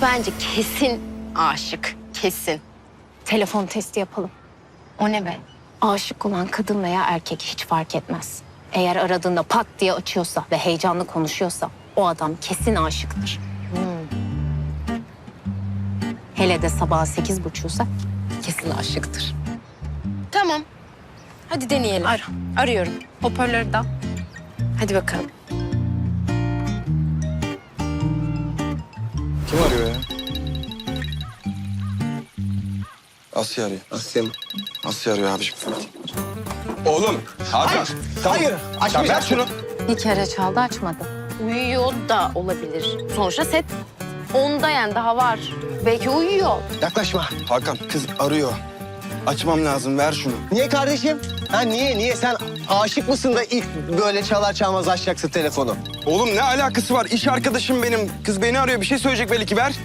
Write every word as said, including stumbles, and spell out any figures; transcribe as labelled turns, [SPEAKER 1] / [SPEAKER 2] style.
[SPEAKER 1] bence kesin aşık. Kesin.
[SPEAKER 2] Telefon testi yapalım.
[SPEAKER 1] O ne be?
[SPEAKER 2] Aşık olan kadın veya erkek hiç fark etmez. Eğer aradığında pat diye açıyorsa ve heyecanlı konuşuyorsa o adam kesin aşıktır. Hele de sabah sekiz buçuksa kesin aşıktır.
[SPEAKER 1] Tamam. Hadi deneyelim.
[SPEAKER 2] Ara.
[SPEAKER 1] Arıyorum.
[SPEAKER 2] Hoparlörü de al.
[SPEAKER 1] Hadi bakalım.
[SPEAKER 3] Kim arıyor ya? Asya arıyor.
[SPEAKER 4] Asya mı?
[SPEAKER 3] Asya arıyor abiciğim. Oğlum. Hakan. Tamam.
[SPEAKER 4] Hayır, açmayacağım.
[SPEAKER 3] Ya ver şunu.
[SPEAKER 2] Bir kere çaldı açmadı.
[SPEAKER 1] Uyuyor da olabilir. Sonuçta set onda yani daha var. Belki uyuyor.
[SPEAKER 4] Yaklaşma.
[SPEAKER 3] Hakan kız arıyor. Açmam lazım, ver şunu.
[SPEAKER 4] Niye kardeşim? Ha niye, niye? Sen aşık mısın da ilk böyle çalar çalmaz açacaksın telefonu?
[SPEAKER 3] Oğlum ne alakası var? İş arkadaşım benim. Kız beni arıyor, bir şey söyleyecek belki, ver.